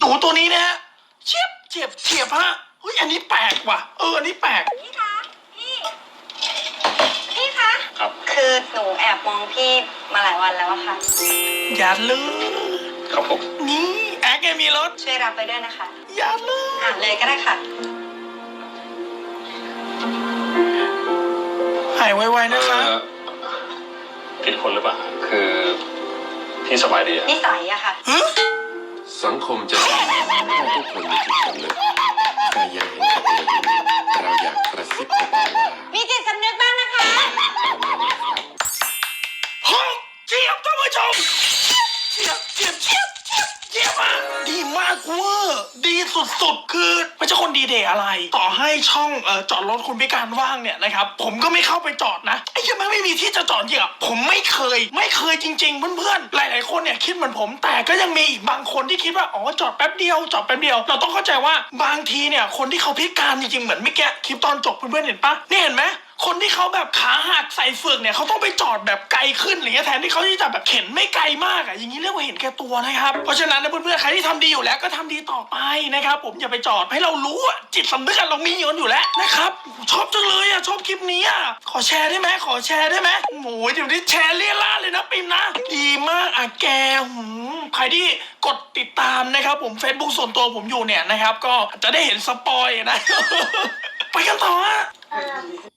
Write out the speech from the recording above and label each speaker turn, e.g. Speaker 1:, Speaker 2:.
Speaker 1: หนูตัวนี้นะฮะเฉียบฮะเฮ้ยอันนี้แปลกว่ะอันนี้แปลก
Speaker 2: พี่คะพี่คะ
Speaker 3: ครับ
Speaker 2: คือหนูแอบมองพี่มาหลายวันแล้วอะค่ะ
Speaker 1: อย่าเลย
Speaker 3: ครับผม
Speaker 1: นี่แอคไงมีรถ
Speaker 2: ช่วยรับไปด้วยนะคะ
Speaker 1: อย่าเลย
Speaker 2: อ่านเลยก็ได้ค่ะ
Speaker 1: หายไวๆนะคะ
Speaker 3: ผิดคนหรือเปล่าคือพี่สบายดีอะ
Speaker 2: นิสัยอะค่ะ
Speaker 4: สังคมจะดีถ้าทุกคนมีจิตสำนึกใครยังเห็นกับตัวอยู่เราอยากกระซิบบอกว่า
Speaker 2: มีจิตสำนึกบ้างนะคะ
Speaker 4: ทำนั้นนะครับ
Speaker 1: ห้องเจียบท่านผู้ชมเจียบมากดีมากเวอร์ดีสุดๆคือไม่ใช่คนดีเดย์อะไร ต่อให้ช่องจอดรถคนพิการว่างเนี่ยนะครับผมก็ไม่เข้าไปจอดนะไอ้ยังไม่มีที่จะจอดจริงอ่ะผมไม่เคยจริงๆเพื่อนๆหลายๆคนเนี่ยคิดเหมือนผมแต่ก็ยังมีอีกบางคนที่คิดว่าอ๋อจอดแป๊บเดียวเราต้องเข้าใจว่าบางทีเนี่ยคนที่เขาพิการจริงๆเหมือนเมื่อกี้คลิปตอนจบเพื่อนๆเห็นปะนี่เห็นไหมคนที่เขาแบบขาหักใส่เฟือกเนี่ยเขาต้องไปจอดแบบไกลขึ้นอะไรเงี้ยแทนที่เขาจะแบบเข็นไม่ไกลมากอ่ะอย่างนี้เรียกว่าเห็นแก่ตัวนะครับเพราะฉะนั้นนะเพื่อนๆใครที่ทำดีอยู่แล้วก็ทำดีต่อไปนะครับผมอย่าไปจอดให้เรารู้อ่ะจิตสำนึกเรามีอยู่แล้วนะครับชอบจังเลยอ่ะชอบคลิปนี้อ่ะขอแชร์ได้ไหมโอ้ยเดี๋ยวนี้แชร์เลี่ยล่าเลยนะปิมนะดีมากอ่ะแกใครที่กดติดตามนะครับผม Facebook ส่วนตัวผมอยู่เนี่ยนะครับก็จะได้เห็นสปอยนะ ไปกันต่อฮะ